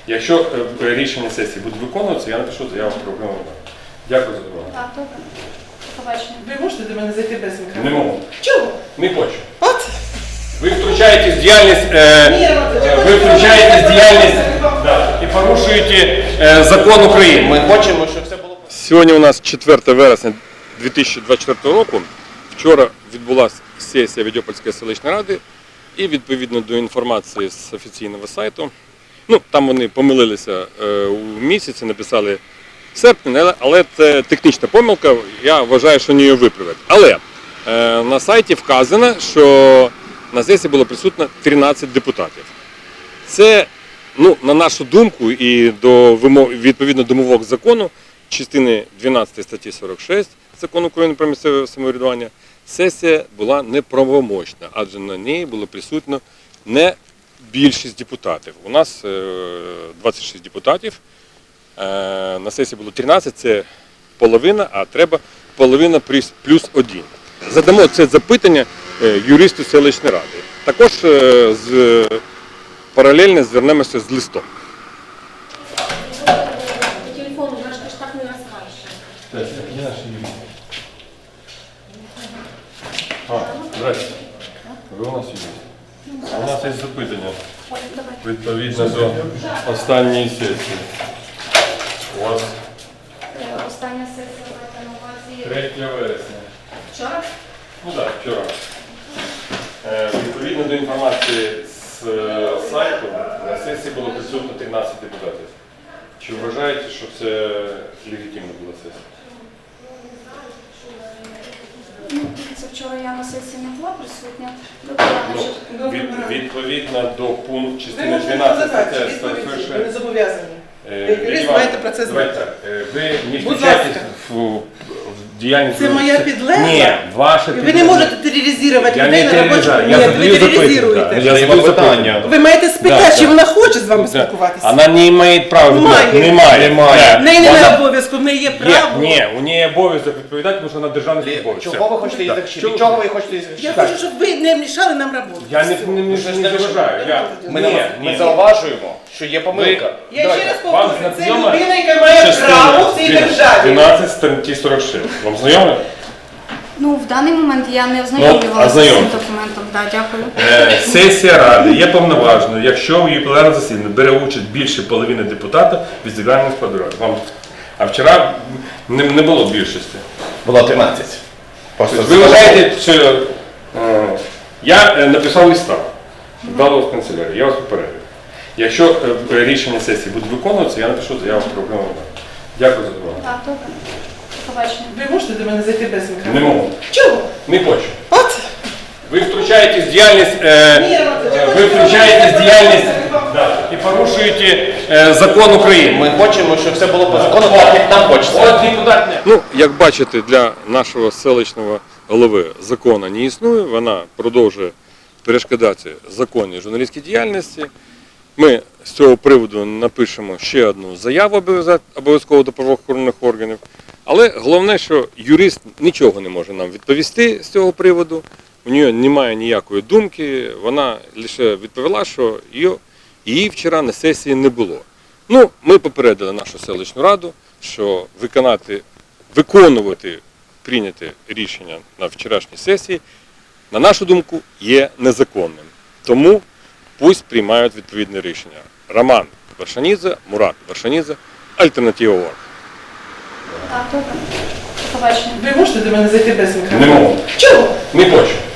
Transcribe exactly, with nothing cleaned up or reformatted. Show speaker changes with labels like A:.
A: Якщо е, рішення сесії буде виконуватися, я напишу заяву про обвинувачення. Дякую за увагу.
B: Так, добре. Побачення.
C: Ви можете до мене зайти без мікрофону?
A: Не можу.
C: Чого?
A: Не хочу.
C: От.
A: Ви втручаєтесь в діяльність, е, е, ви втручаєтесь в діяльність да, і порушуєте е, закон України.
D: Ми хочемо, щоб все було.
A: Сьогодні у нас четверте вересня дві тисячі двадцять четвертого року. Вчора відбулася сесія Відьопольської селищної ради і відповідно до інформації з офіційного сайту, ну там вони помилилися е, у місяці, написали серпень, але це технічна помилка, я вважаю, що вони її виправлять. Але е, на сайті вказано, що на сесії було присутно тринадцять депутатів. Це, ну, на нашу думку і до вимог, відповідно до вимог закону, частини дванадцятої статті сорок шість Закону України про місцеве самоврядування, сесія була неправомочна, адже на ній було присутно не більшість депутатів. У нас двадцять шість депутатів, на сесії було тринадцять, це половина, а треба половина плюс один. Задамо це запитання юристу селищної ради. Також з, паралельно звернемося з листом.
B: По телефону, знаєш, ти ж так не розкажеш.
A: Так, я наш юрист. А, здрасте. Ви у нас юрист. У нас є запитання.
B: Ой, давай.
A: Відповідно до останньої сесії. У вас
B: Е, Остання сесія маєте на увазі.
A: третє вересня.
B: Вчора?
A: Ну так, вчора. Е, Відповідно до інформації з е, сайту, на сесії було присутно тринадцять депутатів. Чи вважаєте, що це легітимна була сесія?
B: Ну, це вчора я на сесії не була присутня. Добре,
A: Ну,
B: значить,
A: від, відповідно до пункту
C: Ви
A: частини
C: можете
A: дванадцять
C: задати
A: стаття
C: відповіді, ви не
A: сорок шість.
C: зобов'язані.
A: Е,
C: Як юрист
A: Іван,
C: маєте про це
A: давайте
C: знати.
A: так, е, ви не
C: Будь
A: втручаєтесь
C: ласка.
A: в, в діяльність.
C: Це моя підлегла?
A: Ні, ваша
C: І ви
A: підлегла.
C: не можете тероризувати
A: Я
C: людей
A: не
C: на робочому
A: тероризую,
C: місці.
A: я
C: Ви
A: задаю запитання.
C: тероризуєте.
A: Я задаю запитання.
C: Ви маєте спитати,
A: Да,
C: чи
A: да.
C: вона хоче з вами
A: Да.
C: спілкуватися.
A: Вона не має права.
C: Має.
A: Немає.
D: Немає.
C: В неї
A: Вона-
C: немає обов'язку, в неї є
A: Є,
C: право.
A: ні, у неї обов'язок відповідати, тому що вона державний службовець.
D: Чого ви хочете її
A: Так.
D: захищати?
A: Чого-
D: Від чого ви хочете її
C: Я
D: захищати?
C: хочу, щоб ви не мішали нам роботу.
A: Я не,
C: Все.
A: не, не,
D: ж
A: не
D: не
A: заважаю. Я,
D: Ми,
A: ні,
D: не-
A: ні.
D: ми зауважуємо, що є помилка.
C: Я
A: Давайте,
C: ще раз
A: вам
C: повторюю, це
A: знайома
C: людина, яка має
A: частина
C: право в цій державі.
A: дванадцять статті сорок шість. Вам знайомо?
B: Ну, в даний момент я не ознайомлювалася з цим
A: ознайомтесь.
B: документом. Так, дякую.
A: Е, Сесія Ради є повноважною, якщо в її пленарному засіданні бере участь більше половини депутатів від загального складу ради. Вам... А вчора не, не було більшості.
D: Було тринадцять. Просто
A: Ви вважаєте, що е, я е, написав листа, дало в канцелярію, я вас попередив. Якщо е, рішення сесії буде виконуватися, я напишу заяву про обвинувачення. Дякую за увагу.
B: Так, добре. Побачення.
C: Ви можете до мене зайти без мікрофону?
A: Не можу.
C: Чого?
A: Не хочу.
C: От.
A: Ви втручаєтесь в діяльність, е, е, ви втручаєтесь в діяльність да, і порушуєте е, закон України.
D: Ми хочемо, щоб все було по закону, так як нам хочеться.
A: От депутат не. Ну, як бачите, для нашого селищного голови закону не існує, вона продовжує перешкодати законній журналістській діяльності. Ми з цього приводу напишемо ще одну заяву обов'язково до правоохоронних органів. Але головне, що юрист нічого не може нам відповісти з цього приводу, у нього немає ніякої думки, вона лише відповіла, що її, її вчора на сесії не було. Ну, ми попередили нашу селищну раду, що виконати, виконувати прийняте рішення на вчорашній сесії, на нашу думку, є незаконним. Тому пусть приймають відповідне рішення. Роман Вершанідзе, Мурат Вершанідзе, Альтернатива ОРГ.
B: Так, добре. Побачення.
C: Ви можете до мене зайти без мікрофону?
A: Не можу.
C: Чого?
A: Не хочу.